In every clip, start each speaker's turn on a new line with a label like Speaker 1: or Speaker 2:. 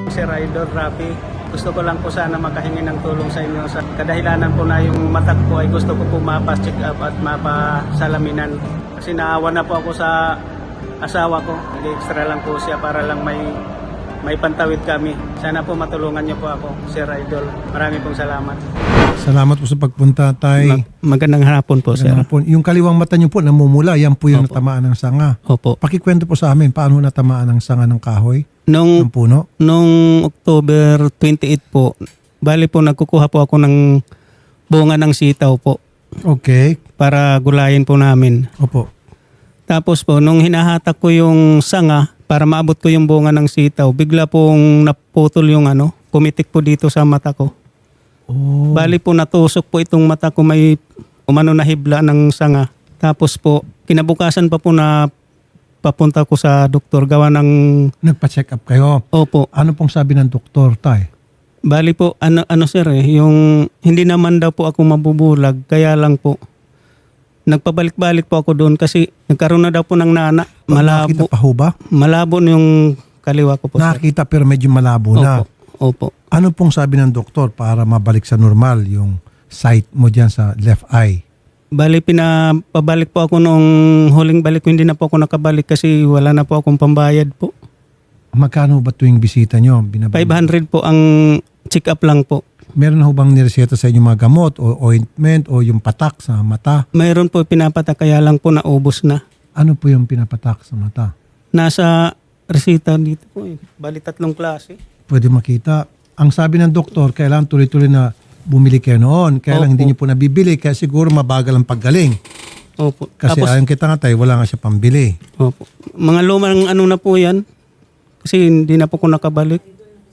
Speaker 1: Sir Idol Rafi. Gusto ko lang po sana makahingi ng tulong sa inyo. Sa kadahilanan po na yung mata ko ay gusto ko po mapas-check up at mapasalaminan. Kasi naawa na po ako sa asawa ko. Nag-extra lang po siya para lang may pantawid kami. Sana po matulungan niyo po ako, Sir Idol. Maraming pong salamat.
Speaker 2: Salamat po sa pagpunta, Tay.
Speaker 1: Magandang hapon po,
Speaker 2: Magandang hapon. Yung kaliwang mata niyo po namumula, yan po yung
Speaker 1: Opo.
Speaker 2: natamaan ng sanga.
Speaker 1: Opo.
Speaker 2: Pakikwento po sa amin, paano natamaan ng sanga ng kahoy, ng puno?
Speaker 1: Nung October 28 po, bali po nagkukuha po ako ng bunga ng sitaw po
Speaker 2: Okay.
Speaker 1: para gulayin po namin.
Speaker 2: Opo.
Speaker 1: Tapos po, nung hinahatak ko yung sanga para maabot ko yung bunga ng sitaw, bigla pong naputol yung pumitik po dito sa mata ko.
Speaker 2: Oh.
Speaker 1: Bali po natusok po itong mata ko, may na hibla ng sanga. Tapos po, kinabukasan pa po na papunta ko sa doktor gawa ng...
Speaker 2: Nagpa-check up kayo.
Speaker 1: Opo.
Speaker 2: Ano pong sabi ng doktor, Tay?
Speaker 1: Bali po, sir yung hindi naman daw po ako mabubulag, kaya lang po, nagpabalik-balik po ako doon kasi nagkaroon na daw po ng nana.
Speaker 2: Nakita pa ho ba?
Speaker 1: Malabo yung kaliwa ko po, sir.
Speaker 2: Nakita pero medyo malabo na.
Speaker 1: Opo.
Speaker 2: Ano pong sabi ng doktor para mabalik sa normal yung sight mo dyan sa left eye?
Speaker 1: Bali, pinapabalik po ako nung huling balik ko, hindi na po ako nakabalik kasi wala na po akong pambayad po.
Speaker 2: Magkano ba tuwing bisita nyo?
Speaker 1: 500 po ang check-up lang po.
Speaker 2: Meron na ho bang nireseta sa inyo mga gamot o ointment o yung patak sa mata?
Speaker 1: Mayroon po pinapatak, kaya lang po naubos na.
Speaker 2: Ano po yung pinapatak sa mata?
Speaker 1: Nasa resita dito po eh. Bali 3 klase.
Speaker 2: Pwede makita. Ang sabi ng doktor, kailangan tuloy-tuloy na bumili kayo noon. Kaya lang
Speaker 1: Opo.
Speaker 2: hindi niyo po nabibili kaya siguro mabagal ang paggaling.
Speaker 1: Opo.
Speaker 2: Kasi ayon kita nga tayo, wala nga siya pambili.
Speaker 1: Opo. Mga lumang na po yan. Kasi hindi na po ko nakabalik.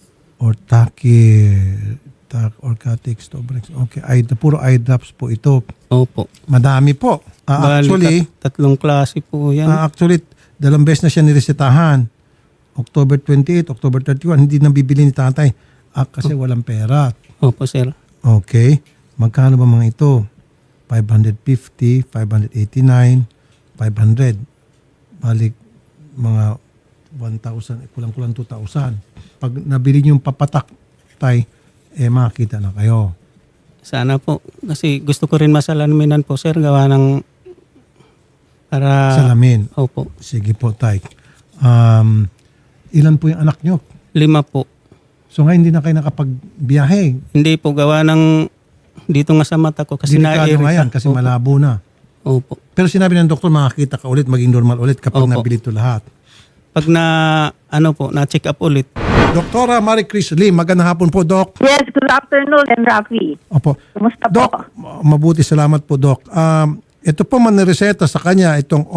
Speaker 2: Orcatic, Stobrex. Okay, puro eye drops po ito.
Speaker 1: Opo.
Speaker 2: Madami po.
Speaker 1: Bali,
Speaker 2: Actually,
Speaker 1: 3 klase po yan.
Speaker 2: actually, 2 beses na siya niresetahan. October 28, October 31, hindi nang bibili ni tatay. Kasi walang pera.
Speaker 1: Opo, sir.
Speaker 2: Okay. Magkano ba mga ito? 550, 589, 500. Balik mga 1,000, kulang-kulang 2,000. Pag nabili niyo yung papatak, tay, makakita na kayo.
Speaker 1: Sana po. Kasi gusto ko rin masalaminan po, sir. Gawa ng... Para...
Speaker 2: Salamin.
Speaker 1: Opo.
Speaker 2: Sige po, tay. Ilan po yung anak niyo?
Speaker 1: 5 po.
Speaker 2: So ngayon hindi na kayo nakapagbiyahe.
Speaker 1: Hindi po. Gawa ng... Dito nga sa mata ko. Kasi
Speaker 2: Delikado
Speaker 1: naiirita.
Speaker 2: nga yan kasi
Speaker 1: Opo.
Speaker 2: malabo na.
Speaker 1: Opo.
Speaker 2: Pero sinabi ng doktor, makakita ka ulit, maging normal ulit kapag
Speaker 1: Opo.
Speaker 2: nabili ito lahat.
Speaker 1: Pag na-check up ulit.
Speaker 2: Doktora Marie Chris Lim, magandang hapon po, Doc.
Speaker 3: Yes, good afternoon, and Rafi.
Speaker 2: Opo.
Speaker 3: Kumusta
Speaker 2: Doc,
Speaker 3: po?
Speaker 2: mabuti, salamat po, Doc. Ito po manireseta sa kanya, itong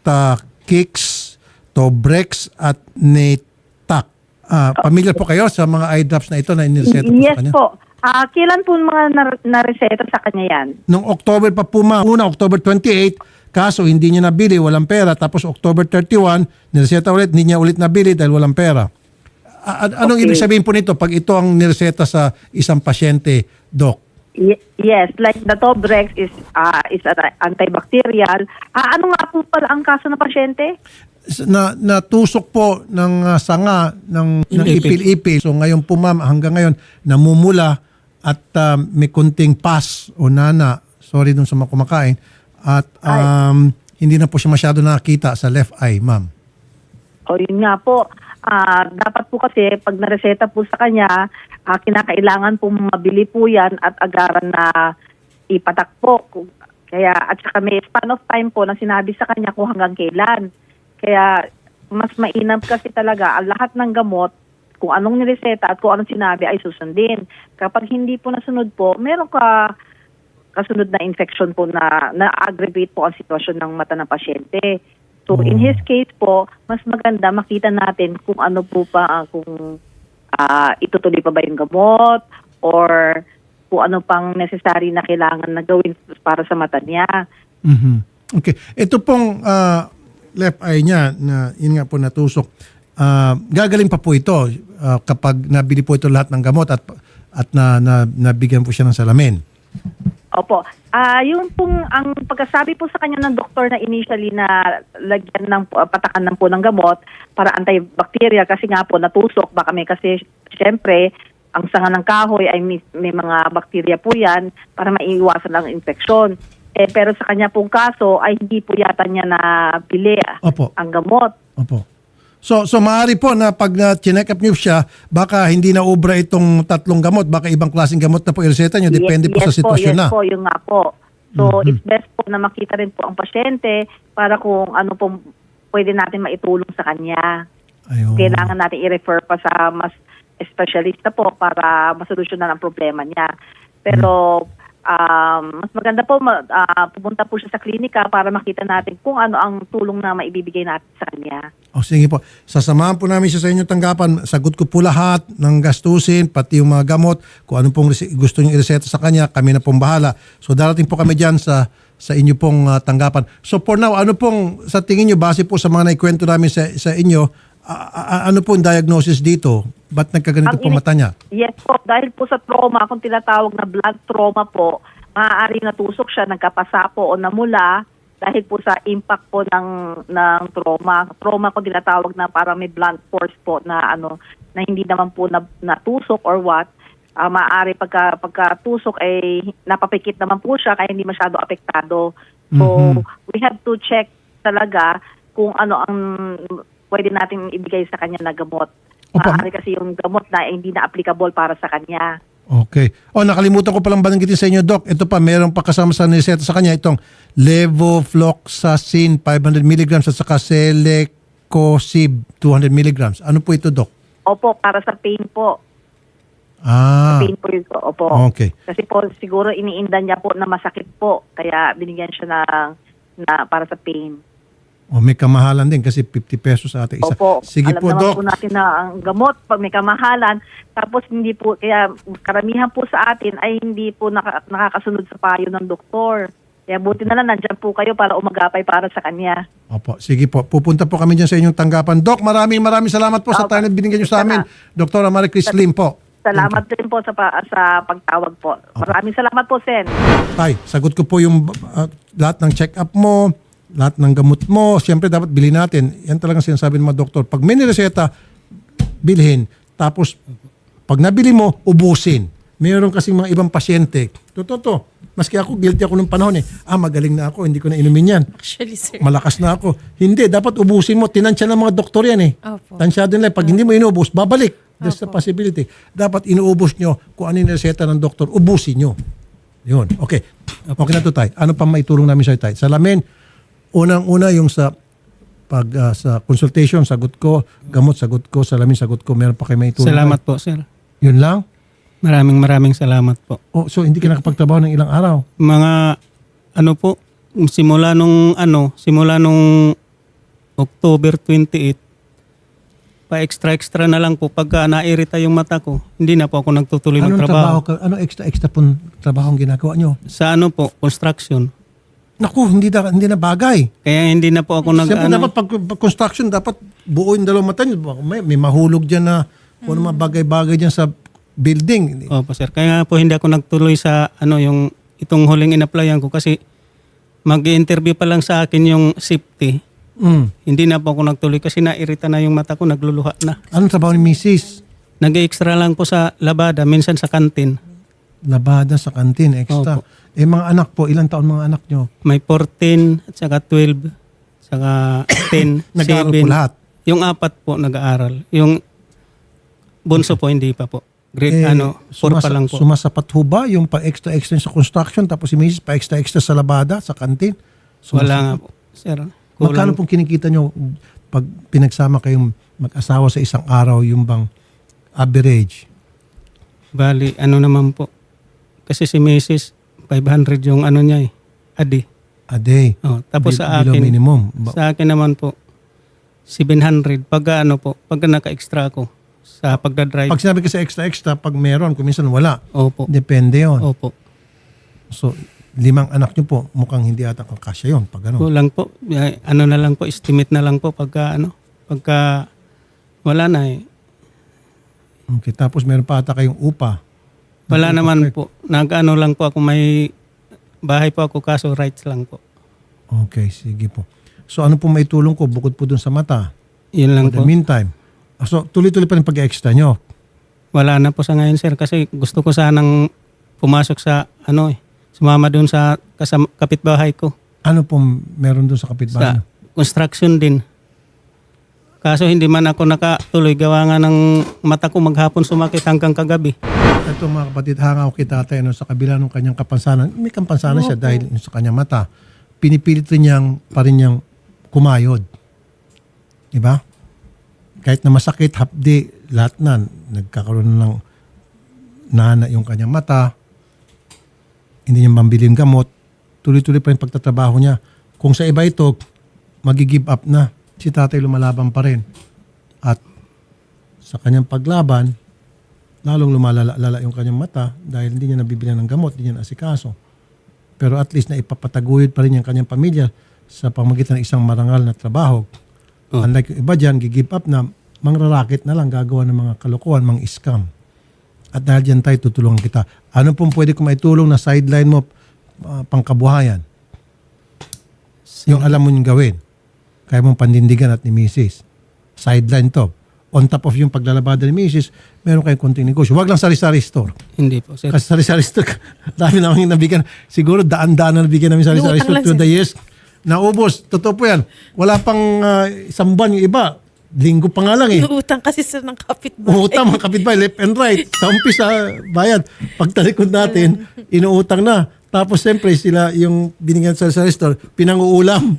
Speaker 2: Oftacix, Tobrex, at Netac. Pamilyar po kayo sa mga eye drops na ito na inireseta po sa
Speaker 3: Yes
Speaker 2: kanya?
Speaker 3: po. Kailan po mga nareseta sa kanya yan?
Speaker 2: Nung October pa po, una, October 28, kaso hindi niya nabili, walang pera. Tapos October 31, nireseta ulit, hindi niya ulit nabili dahil walang pera. Anong
Speaker 3: Okay.
Speaker 2: ibig sabihin po nito pag ito ang nireseta sa isang pasyente, Doc?
Speaker 3: Yes, like the Tobrex is antibacterial. Ano nga po pala ang kaso ng pasyente?
Speaker 2: Natusok po ng sanga ng
Speaker 1: Ipil.
Speaker 2: ipil-ipil. So ngayon po ma'am, hanggang ngayon, namumula at may kunting pus o nana. Sorry dun sa mga kumakain. At hindi na po siya masyado nakakita sa left eye, ma'am.
Speaker 3: O yun nga po. Dapat po kasi pag nareseta po sa kanya, kinakailangan po mabili po yan at agaran na ipatak po. Kaya at saka may span of time po na sinabi sa kanya kung hanggang kailan. Kaya mas mainam kasi talaga ang lahat ng gamot, kung anong nireseta at kung anong sinabi ay susundin. Kapag hindi po nasunod po, meron kasunod na infection po na aggravate po ang sitwasyon ng mata ng pasyente. So in his case po, mas maganda makita natin kung ano po pa, kung itutuloy pa ba yung gamot or kung ano pang necessary na kailangan na gawin para sa mata niya.
Speaker 2: Mhm. Okay. Ito pong left eye niya, na yun nga po natusok, gagaling pa po ito kapag nabili po ito lahat ng gamot at nabigyan po siya ng salamin.
Speaker 3: Opo. Yung pong, ang pagkasabi po sa kanya ng doktor na initially na lagyan ng, patakan ng po ng gamot para antibacterial kasi nga po natusok. Baka may kasi, syempre, ang sanga ng kahoy ay may mga bakterya po yan para maiiwasan ang infeksyon. Pero sa kanya pong kaso ay hindi po yata niya nabili
Speaker 2: Opo.
Speaker 3: ang gamot.
Speaker 2: Opo. So maaari po na pag chinek up niyo siya, baka hindi na obra itong 3 gamot, baka ibang klaseng gamot na po ireseta niyo, depende po sa sitwasyon na.
Speaker 3: Yes po, yung nga po. So, it's best po na makita rin po ang pasyente para kung ano po pwede natin maitulong sa kanya.
Speaker 2: Ayun.
Speaker 3: Kailangan natin i-refer pa sa mas espesyalista po para masolusyonan ang problema niya. Pero, mas maganda po pupunta po siya sa klinika para makita natin kung ano ang tulong na maibibigay natin sa kanya.
Speaker 2: O sige po, sasamahan po namin siya sa inyong tanggapan. Sagot ko po lahat ng gastusin, pati yung mga gamot, kung ano pong gusto nyo ireseta sa kanya, kami na pong bahala. So darating po kami dyan sa inyo pong tanggapan. So for now, ano pong sa tingin nyo, base po sa mga naikwento namin sa inyo, ano pong diagnosis dito? Ba't nagkaganito po mata niya?
Speaker 3: Yes po, dahil po sa trauma, kung tinatawag na blood trauma po, maaaring natusok siya, nagkapasa po o namula dahil po sa impact po ng trauma. Trauma ko tinatawag na para may blunt force po na na hindi naman po natusok or what. Maaari pagkatusok ay napapikit naman po siya kaya hindi masyado apektado. So, we have to check talaga kung ano ang pwede natin ibigay sa kanya na gamot. Maaari kasi yung gamot na hindi na applicable para sa kanya.
Speaker 2: Okay. Nakalimutan ko palang banggitin sa inyo, Doc. Ito pa, meron pa kasama sa nireseta sa kanya itong levofloxacin 500 mg at saka Celecoxib 200 mg. Ano po ito, Doc?
Speaker 3: Opo, para sa pain po. Sa pain po yun po. Opo.
Speaker 2: Okay.
Speaker 3: Kasi po siguro iniinda niya po na masakit po. Kaya binigyan siya na para sa pain.
Speaker 2: May kamahalan din kasi 50 pesos sa ating isa.
Speaker 3: Opo,
Speaker 2: Sige
Speaker 3: alam
Speaker 2: po,
Speaker 3: naman
Speaker 2: Doc.
Speaker 3: po natin na ang gamot pag may kamahalan, tapos hindi po, kaya karamihan po sa atin ay hindi po nakakasunod sa payo ng doktor. Kaya buti na lang nandyan po kayo para umagapay para sa kanya.
Speaker 2: Opo, sige po. Pupunta po kami dyan sa inyong tanggapan. Doc, maraming salamat po sa time na binigyan nyo sa amin. Dr. Marie Chris Lim po.
Speaker 3: Salamat din po sa pagtawag po. Maraming salamat po, Sen.
Speaker 2: Tay, sagot ko po yung lahat ng check-up mo, lahat ng gamot mo. Siyempre, dapat bilhin natin. Yan talagang sinasabi ng mga doktor. Pag may nireseta, bilhin. Tapos, pag nabili mo, ubusin. Mayroon kasing mga ibang pasyente. Totoo. Maski ako, guilty ako nung panahon eh. Magaling na ako, hindi ko na inumin yan.
Speaker 4: Actually, sir.
Speaker 2: Malakas na ako. Hindi, dapat ubusin mo. Tinansya ng mga doktor yan eh.
Speaker 4: Opo.
Speaker 2: Tansyado nila. Pag hindi mo inubos, babalik. There's a possibility. Dapat inuubos nyo kung ano yung reseta ng doktor, ubusin nyo. Yun. Okay. Okay na to, Tay. Ano pa maitulong namin sa'yo, Tay? Salamin, unang-una yung sa consultation, sagot ko. Gamot, sagot ko. Salamin, sagot ko. Meron pa kayo maitulong?
Speaker 5: Salamat po, sir.
Speaker 2: Yun lang?
Speaker 5: Maraming salamat po.
Speaker 2: So hindi ka nakapagtrabaho ng ilang araw?
Speaker 5: Mga po, simula nung October 28, pa-extra na lang po pagka nairita yung mata ko. Hindi na po ako nagtutuloy ng trabaho.
Speaker 2: Ano extra pong trabaho ang ginagawa nyo?
Speaker 5: Sa construction.
Speaker 2: Naku, hindi na bagay.
Speaker 5: Kaya hindi na po ako
Speaker 2: Siyempre dapat pag construction, dapat buo yung dalawang mata nyo. May mahulog dyan na kung ano mga bagay-bagay dyan sa building.
Speaker 5: Opo, sir. Kaya po hindi ako nagtuloy sa yung itong huling in-applyan ko kasi mag-i-interview pa lang sa akin yung safety. Hindi na po ako nagtuloy kasi nairita na yung mata ko, nagluluha na.
Speaker 2: Anong trabaho ni Mrs.?
Speaker 5: Nag-extra lang po sa labada, minsan sa kantin.
Speaker 2: Labada sa kantin, extra.
Speaker 5: Opo.
Speaker 2: Mga anak po, ilang taon mga anak nyo?
Speaker 5: May 14 at saka 12, saka 10,
Speaker 2: Nag-aaral
Speaker 5: 7.
Speaker 2: po lahat?
Speaker 5: Yung 4 po nag-aaral. Yung bunso po hindi pa po. Grade 4 pa lang po.
Speaker 2: Sumasapat ho ba yung pa-extra-extra sa construction tapos si Mrs. pa-extra-extra sa labada, sa kantin?
Speaker 5: Wala nga po, sir.
Speaker 2: Magkano pong kinikita nyo pag pinagsama kayong mag-asawa sa isang araw yung bang average?
Speaker 5: Bali, naman po. Kasi si Mrs. 500 yung niya a day.
Speaker 2: A day?
Speaker 5: Tapos sa
Speaker 2: Below
Speaker 5: akin,
Speaker 2: minimum?
Speaker 5: sa akin naman po, 700. Pagka pagka naka-extra ako sa pagdadrive.
Speaker 2: Pag sinabi kasi extra-extra, pag meron, kung minsan wala.
Speaker 5: Opo.
Speaker 2: Depende yon.
Speaker 5: Opo.
Speaker 2: So, 5 anak nyo po, mukhang hindi ata kakasya yun. Pag ano.
Speaker 5: Kulang po. Na lang po, estimate na lang po pagka pagka wala na eh.
Speaker 2: Okay, tapos meron pa ata kayong upa.
Speaker 5: Wala naman po. Nag-ano lang po ako may bahay po ako kaso rights lang po.
Speaker 2: Okay, sige po. So ano po may tulong ko bukod po dun sa mata?
Speaker 5: Yun lang
Speaker 2: For the
Speaker 5: po.
Speaker 2: meantime. So tuloy-tuloy pa rin pag-extra nyo.
Speaker 5: Wala na po sa ngayon sir kasi gusto ko sanang pumasok sa sumama doon sa kapitbahay ko.
Speaker 2: Ano po meron dun sa kapitbahay?
Speaker 5: Sa construction din. Kaso hindi man ako nakatuloy gawa nga ng mata ko maghapon sumakit hanggang kagabi.
Speaker 2: Ito mga kapatid, hangaw kita tayo sa kabila ng kanyang kapansanan. May kapansanan siya dahil sa kanyang mata. Pinipilit rin niyang kumayod. Diba? Kahit na masakit, hapdi, lahat na. Nagkakaroon ng nana yung kanyang mata. Hindi niya mambili yung gamot. Tuloy-tuloy pa yung pagtatrabaho niya. Kung sa iba ito, magi-give up na. Si tatay lumalaban pa rin. At sa kanyang paglaban, lalong lumalala yung kanyang mata dahil hindi niya nabibilihan ng gamot, hindi niya naasikaso. Pero at least na ipapataguyod pa rin yung kanyang pamilya sa pamagitan ng isang marangal na trabaho. Unlike yung iba dyan, gi-give up na mangrarakit na lang, gagawa ng mga kalokohan, mga scam. At dahil dyan tayo, tutulungan kita. Ano pong pwede kong maitulong na sideline mo pangkabuhayan? Yung alam mo yung gawin. Kaya mong pandindigan at ni Mrs. Sideline to. On top of yung paglalabada ni Mrs., meron kayong konting negosyo. Huwag lang sari-sari store.
Speaker 5: Hindi po sir.
Speaker 2: Kasi sari-sari store, dami namin nabigyan. Siguro daan-daan na nabigyan namin sari-sari store through the years. Naubos. Totoo po yan. Wala pang isang buwan yung iba. Linggo pa nga lang eh.
Speaker 4: Inuutang kasi sir ng kapitbahay.
Speaker 2: Uutang mga kapitbahay, left and right. Sa umpisa, bayad. Pagtalikod natin, inuutang na. Tapos siyempre sila yung binigyan sa store, pinanguulam.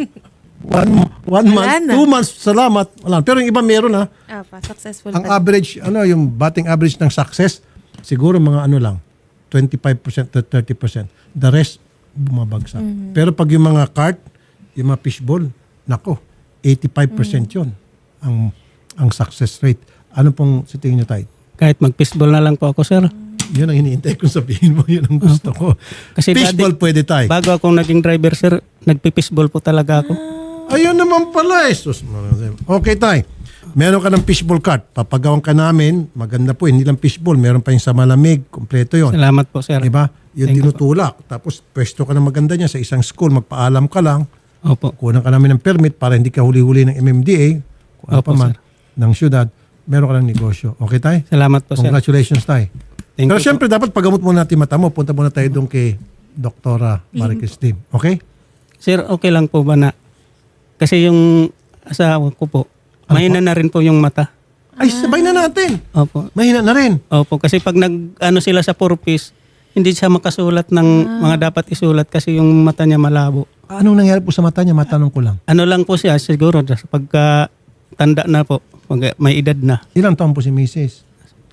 Speaker 2: One month,
Speaker 4: na.
Speaker 2: 2 months, salamat. Wala. Pero yung iba meron ha.
Speaker 4: Successful
Speaker 2: Ang
Speaker 4: pa.
Speaker 2: average, yung batting average ng success, siguro mga lang, 25% to 30%. The rest, bumabagsak. Pero pag yung mga cart, yung mga fishball, nako, 85% yun ang success rate. Ano pong sa tingin nyo tayo?
Speaker 5: Kahit mag-fishball na lang po ako sir.
Speaker 2: Yun ang hinihintay kong sabihin mo, yun ang gusto ko.
Speaker 5: Kasi
Speaker 2: Fishball pwede tayo.
Speaker 5: Bago ako naging driver sir, nagpi-fishball po talaga ako.
Speaker 2: Ayun naman pala eh. Okay tayo. Meron ka ng fishball cart. Papagawan ka namin. Maganda po. Hindi lang fishball. Meron pa yung sa malamig. Kompleto yun.
Speaker 5: Salamat po sir.
Speaker 2: Diba? Yung
Speaker 5: Thank you
Speaker 2: tinutulak. Tapos pwesto ka na maganda niya sa isang school. Magpaalam ka lang.
Speaker 5: Opo.
Speaker 2: Kunan ka namin ng permit para hindi ka huli-huli ng MMDA. Kung ano
Speaker 5: Opo,
Speaker 2: pa man.
Speaker 5: sir.
Speaker 2: Ng syudad. Meron ka ng negosyo. Okay tayo?
Speaker 5: Salamat po sir.
Speaker 2: Congratulations tayo.
Speaker 5: Thank
Speaker 2: Pero
Speaker 5: you
Speaker 2: syempre dapat pagamot muna natin mata mo. Punta muna tayo doon kay Doktora Maricristin. Okay?
Speaker 5: Sir, okay lang po ba na kasi yung asawa ko po, mahina na rin po yung mata.
Speaker 2: Ay, sabay na natin.
Speaker 5: Opo.
Speaker 2: Mahina na rin.
Speaker 5: Opo, kasi pag sila sa purpose, hindi siya makasulat ng mga dapat isulat kasi yung mata niya malabo.
Speaker 2: Anong nangyari po sa mata niya? Matanong ko lang.
Speaker 5: Ano lang po siya siguro pagka tanda na po, pag may edad na.
Speaker 2: Ilang taon po si Mrs.?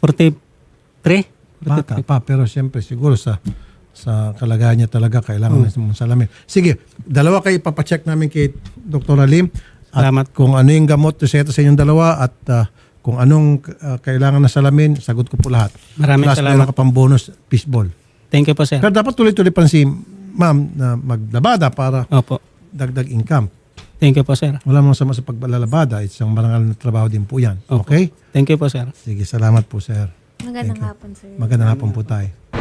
Speaker 5: 43?
Speaker 2: Bata pa, pero siyempre siguro sa kalagayan niya talaga kailangan na salamin. Sige, dalawa kayo ipapacheck namin kay Dr. Lim. At
Speaker 5: Salamat.
Speaker 2: kung ano yung gamot reseta sa inyong dalawa at kung anong kailangan na salamin, sagot ko po lahat.
Speaker 5: Maraming
Speaker 2: Plus,
Speaker 5: salamat.
Speaker 2: meron ka pang bonus fishball.
Speaker 5: Thank you po sir.
Speaker 2: Pero dapat tuloy-tuloy pa rin si ma'am na maglabada para
Speaker 5: Opo.
Speaker 2: dagdag income.
Speaker 5: Thank you po sir.
Speaker 2: Wala mong sama sa paglalabada. Isang marangal na trabaho din po yan.
Speaker 5: Opo.
Speaker 2: Okay?
Speaker 5: Thank you po sir.
Speaker 2: Sige, salamat po sir.
Speaker 4: Magandang hapon sir.
Speaker 2: Magandang hapon po tayo.